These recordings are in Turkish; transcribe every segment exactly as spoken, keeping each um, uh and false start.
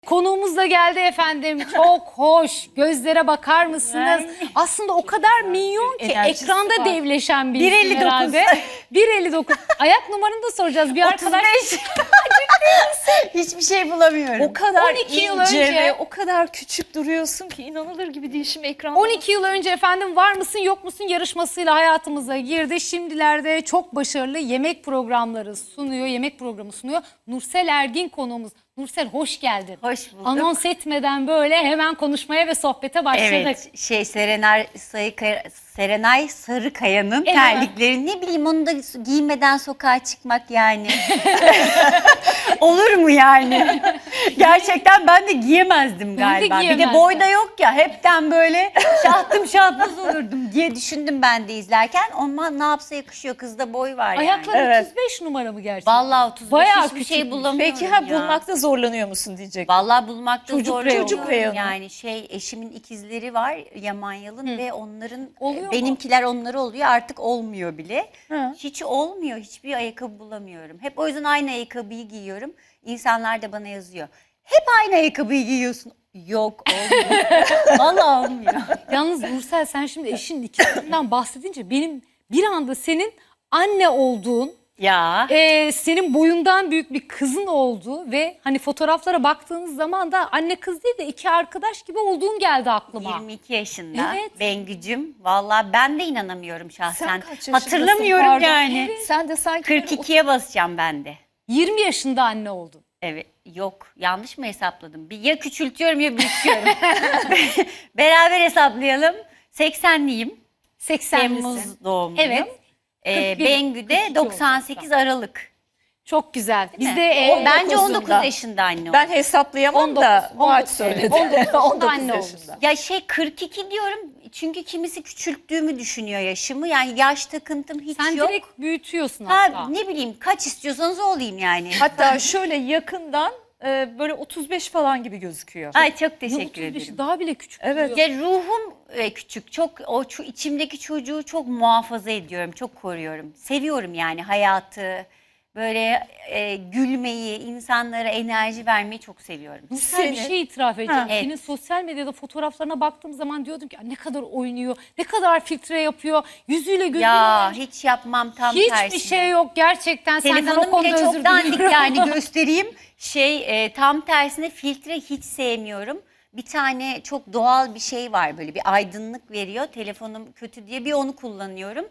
Konuğumuz da geldi efendim. Çok hoş. Gözlere bakar mısınız? Aslında o kadar minyon ki Enerjisi ekranda var. devleşen bir bir isim elli dokuz. herhalde. bir elli dokuz. Ayak numaranı da soracağız. Bir arkadaş Hiçbir şey bulamıyorum. O kadar on iki yıl ince önce- ve o kadar küçük duruyorsun ki inanılır gibi değil şimdi ekranda. on iki yıl önce efendim Var mısın yok musun yarışmasıyla hayatımıza girdi. Şimdilerde çok başarılı yemek programları sunuyor. Yemek programı sunuyor. Nursel Ergin konuğumuz. Nursel hoş geldin. Hoş bulduk. Anons etmeden böyle hemen konuşmaya ve sohbete başladık. Evet, şey Serenay, Sayıkaya- Serenay Sarıkaya'nın Evet. terlikleri, ne bileyim, onu da giymeden sokağa çıkmak yani. Olur mu yani? Gerçekten ben de giyemezdim Ben de galiba. Bir de giyemezdim. boyda yok ya, hepten böyle şahtım şahbaz olurdum diye düşündüm ben de izlerken. Ama ne yapsa yakışıyor, kızda boy var Ayakları yani. Evet. otuz beş numara mı gerçekten? Vallahi otuz beş Bayağı hiçbir şey küçükmüş. bulamıyorum Peki ha ya. bulmakta zorlanıyor musun diyecek. Vallahi bulmakta Çocuk zor reyonu. Çocuk reyonu. Yani şey, eşimin ikizleri var Yaman Yalın ve onların Oluyor mu? benimkiler onları oluyor, artık olmuyor bile. Hı. Hiç olmuyor, hiçbir ayakkabı bulamıyorum. Hep o yüzden aynı ayakkabıyı giyiyorum. İnsanlar da bana yazıyor. Hep aynı ayakkabıyı giyiyorsun. Yok, olmuyor. Vallahi olmuyor. Yalnız Nursel sen şimdi eşinin ikisinden bahsedince benim bir anda senin anne olduğun, Ya. e, senin boyundan büyük bir kızın olduğu ve hani fotoğraflara baktığınız zaman da anne kız değil de iki arkadaş gibi olduğun geldi aklıma. yirmi iki yaşında Evet. Bengücüm. Vallahi ben de inanamıyorum şahsen. Sen kaç yaşındasın? Hatırlamıyorum Pardon. yani. Sen de sanki kırk ikiye basacağım ben de. yirmi yaşında anne oldun. Evet, yok, yanlış mı hesapladım? Bir ya küçültüyorum ya büyütüyorum. Beraber hesaplayalım. seksenliyim. seksenlisin. Temmuz doğumluyum. Evet. Ee, kırk bir, Bengü kırk de iki doksan sekiz Aralık. Çok güzel. Biz mi? de e, On- Bence on dokuz dokuzunda. yaşında anne oldu. ben hesaplayamam on dokuz, da on Muhat dokuz, söyledi. on dokuz yaşında on dokuz anne yaşında. Ya şey kırk iki diyorum çünkü kimisi küçülttüğümü düşünüyor yaşımı. Yani yaş takıntım hiç sen yok. direkt büyütüyorsun hatta. Ha, ne bileyim, kaç istiyorsanız o olayım yani. Hatta şöyle yakından e, böyle otuz beş falan gibi gözüküyor. Ay çok Ya teşekkür otuz beşi ederim. daha bile küçük. Evet. duruyor. Ya ruhum e, küçük, çok o ço- içimdeki çocuğu çok muhafaza ediyorum, çok koruyorum. Seviyorum yani hayatı, böyle e, gülmeyi, insanlara enerji vermeyi çok seviyorum. Nursel bir Senin- şey itiraf edeceğim. Ha. Senin Evet. sosyal medyada fotoğraflarına baktığım zaman diyordum ki ne kadar oynuyor, ne kadar filtre yapıyor, yüzüyle gözüyle. Ya hiç yapmam, tam Hiçbir tersine. şey yok gerçekten. Senden o Telefonum konuda bile özür çok dandik diliyorum. yani, göstereyim. Şey e, tam tersine filtre hiç sevmiyorum. Bir tane çok doğal bir şey var, böyle bir aydınlık veriyor. Telefonum kötü diye bir onu kullanıyorum.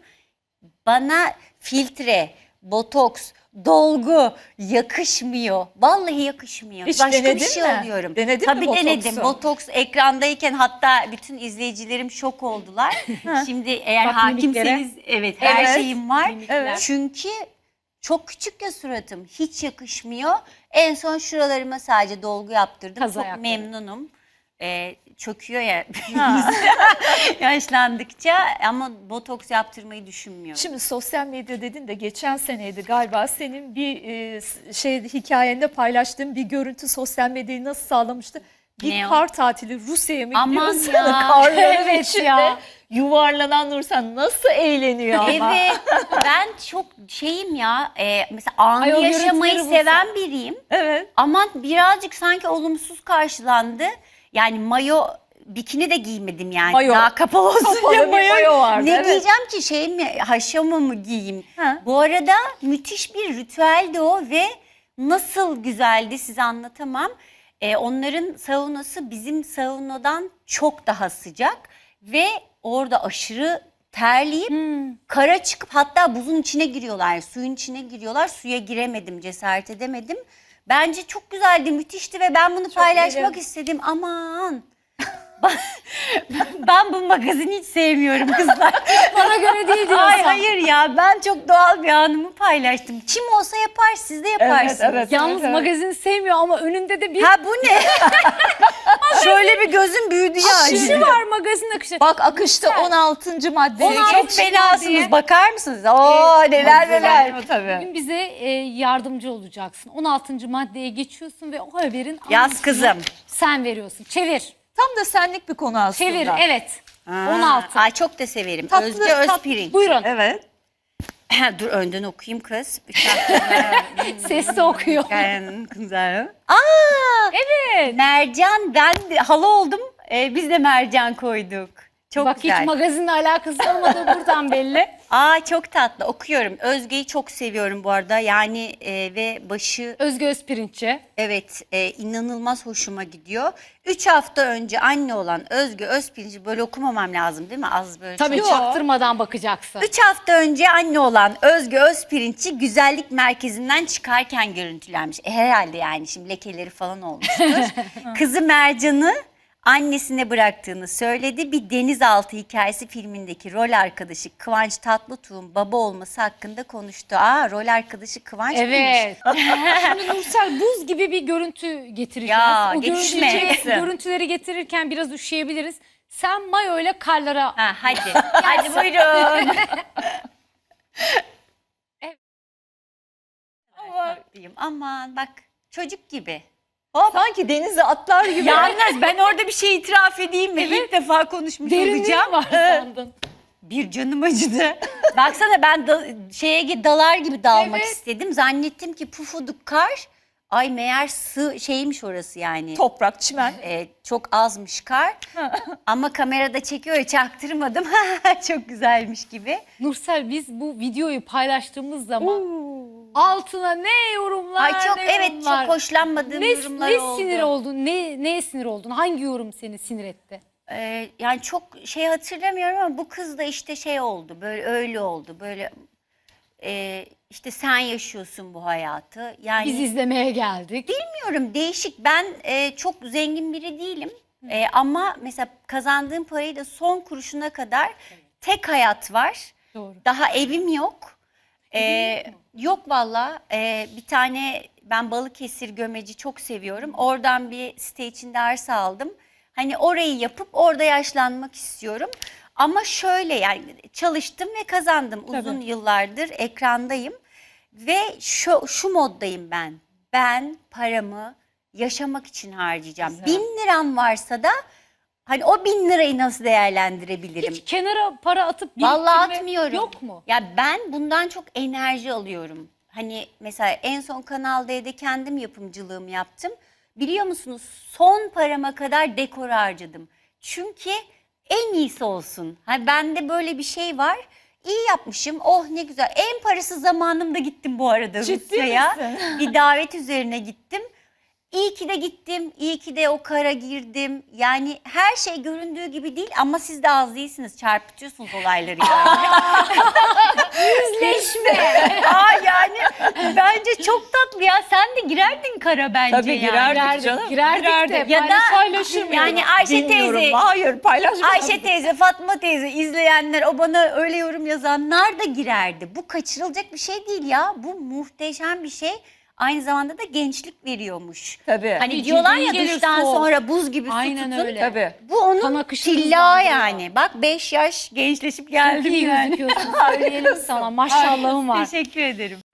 Bana filtre, botoks, dolgu yakışmıyor. Vallahi yakışmıyor. Hiç Başka bir denedin şey mi? oluyorum. Denedin mi Tabii botoksu? denedim. Botoks ekrandayken hatta bütün izleyicilerim şok oldular. Şimdi eğer Bak hakimseniz, mimiklere. evet, her Evet. şeyim var. Evet. Çünkü çok küçük ya suratım. Hiç yakışmıyor. En son şuralarıma sadece dolgu yaptırdım. Kaz çok ayakları. memnunum. Ee, çöküyor ya Ha. yaşlandıkça, ama botoks yaptırmayı düşünmüyorum. Şimdi sosyal medya dedin de geçen seneydi galiba senin bir e, s- şey hikayende paylaştığın bir görüntü sosyal medyayı nasıl sağlamıştı? Bir Ne o? kar tatili Rusya'ya mı Aman gidiyorsun? ya. Karların Evet içinde ya. yuvarlanan Nursen nasıl eğleniyor ama. Evet, ben çok şeyim ya, e, mesela anı Ay, o yaşamayı görüntüleri seven biriyim. Evet. Ama birazcık sanki olumsuz karşılandı. Yani mayo, bikini de giymedim yani. Mayo. Daha kapalı olsun Kapalı diye bir mayo. mayo vardı, Ne evet. giyeceğim ki, şey mi, haşama mı giyeyim? Ha. Bu arada müthiş bir ritüeldi o ve nasıl güzeldi size anlatamam. Ee, onların saunası bizim saunadan çok daha sıcak ve orada aşırı terleyip Hmm. kara çıkıp hatta buzun içine giriyorlar, suyun içine giriyorlar. Suya giremedim, cesaret edemedim. Bence çok güzeldi, müthişti ve ben bunu paylaşmak iyi. istedim. Aman. Ben bu magazini hiç sevmiyorum kızlar. Bana göre değil diyorsan. Ay hayır ya, ben çok doğal bir anımı paylaştım. Kim olsa yapar, siz de yaparsınız. Evet, evet. Yalnız magazin sevmiyor ama önünde de bir Ha bu ne? Şöyle bir gözüm büyüdü ya. akışı var, magazin akışı. Bak akışta on altıncı madde. on altıncı Çok fenasınız, diye. bakar mısınız? Oo neler neler. Tabii. Bugün bize e, yardımcı olacaksın. on altıncı maddeye geçiyorsun ve o haberin Yaz anlatımını kızım. sen veriyorsun. Çevir. Tam da senlik bir konu aslında. Çevir evet. Aa, on altı. Ay çok da severim. Tatlı, Özge tatlı. Özpirinç. Buyurun. Evet. Dur önden okuyayım kız. Üç hafta. Sesli okuyor. Aa, Evet. mercan, ben de hala oldum. Ee, biz de mercan koyduk. Çok Bak güzel. hiç magazinle alakası olmadığı buradan belli. Aa, çok tatlı, okuyorum. Özge'yi çok seviyorum bu arada. Yani e, ve başı Özge Özpirinççi. evet e, inanılmaz hoşuma gidiyor. Üç hafta önce anne olan Özge Özpirinç'i böyle okumamam lazım değil mi? Az böyle. Tabii çok- çaktırmadan bakacaksın. Üç hafta önce anne olan Özge Özpirinç'i güzellik merkezinden çıkarken görüntülenmiş. E, herhalde yani şimdi lekeleri falan olmuştur. Kızı Mercan'ı annesine bıraktığını söyledi. Bir denizaltı hikayesi filmindeki rol arkadaşı Kıvanç Tatlıtuğ'un baba olması hakkında konuştu. Aa, rol arkadaşı Kıvanç mıymış? Evet. Şimdi Nursel buz gibi bir görüntü getireceğiz. Ya, o geçme. görüntüleri, görüntüleri getirirken biraz üşüyebiliriz. Sen mayo ile karlara Ha, hadi. Hadi buyurun. Tatlıyım. Aman bak, çocuk gibi. Sanki denize atlar gibi. Yalnız ben orada bir şey itiraf edeyim mi? İlk defa konuşmuş derinliği olacağım. var sandın. Bir canım acıdı. Baksana ben da, şeye gi- dalar gibi dalmak Evet. istedim. Zannettim ki pufuduk kar. Ay meğer sığ şeymiş orası yani. Toprak, çimen. Ee, çok azmış kar. Ama kamerada çekiyor ya, çaktırmadım. Çok güzelmiş gibi. Nursel biz bu videoyu paylaştığımız zaman altına ne yorumlar Ay çok ne evet yorumlar. çok hoşlanmadığım Ne, yorumlar ne oldu. sinir oldun? Ne, neye sinir oldun? Hangi yorum seni sinir etti? Ee, yani çok şey hatırlamıyorum ama bu kız da işte şey oldu, böyle öyle oldu, böyle e, işte sen yaşıyorsun bu hayatı. Yani Biz izlemeye geldik. bilmiyorum, değişik. Ben e, çok zengin biri değilim. E, ama mesela kazandığım parayı da son kuruşuna kadar tek hayat var. Doğru. Daha evim yok. E, yok valla. E, bir tane ben Balıkesir Gömeci çok seviyorum. Oradan bir site içinde arsa aldım. Hani orayı yapıp orada yaşlanmak istiyorum. Ama şöyle yani çalıştım ve kazandım. Uzun Tabii. yıllardır ekrandayım. Ve şu, şu moddayım ben. Ben paramı yaşamak için harcayacağım. Güzel. Bin liram varsa da hani o bin lirayı nasıl değerlendirebilirim? Hiç kenara para atıp biriktirme Vallahi atmıyorum. yok mu? Ya ben bundan çok enerji alıyorum. Hani mesela en son Kanal D'de kendim yapımcılığımı yaptım. Biliyor musunuz, son parama kadar dekor harcadım. Çünkü en iyisi olsun. Hani bende böyle bir şey var. İyi yapmışım. Oh ne güzel. En parasız zamanımda gittim bu arada Ciddi Rusya'ya. misin? Bir davet üzerine gittim. İyi ki de gittim. İyi ki de o kara girdim. Yani her şey göründüğü gibi değil ama siz de az değilsiniz. Çarpıtıyorsunuz olayları yani. Yüzleşme. Aa, yani bence çok tatlı ya. Sen de girerdin kara bence Tabii yani. girerdik Girerdik, canım. girerdik de Ya da paylaşır mıyız? yani Ayşe Bilmiyorum. teyze, Hayır, paylaşmam. Ayşe teyze, Fatma teyze, izleyenler, o bana öyle yorum yazanlar da girerdi. Bu kaçırılacak bir şey değil ya. Bu muhteşem bir şey. Aynı zamanda da gençlik veriyormuş. Tabii. Hani Bir diyorlar cildiğin ya gelir duştan soğuk. sonra buz gibi su Aynen tutun. öyle. Tabii. Bu onun Kan akışını tilla hızlandırıyor. yani. Bak beş yaş gençleşip Çok geldim iyi yani. gözüküyorsun. Söyleyelim sana. Maşallahın var. Teşekkür ederim.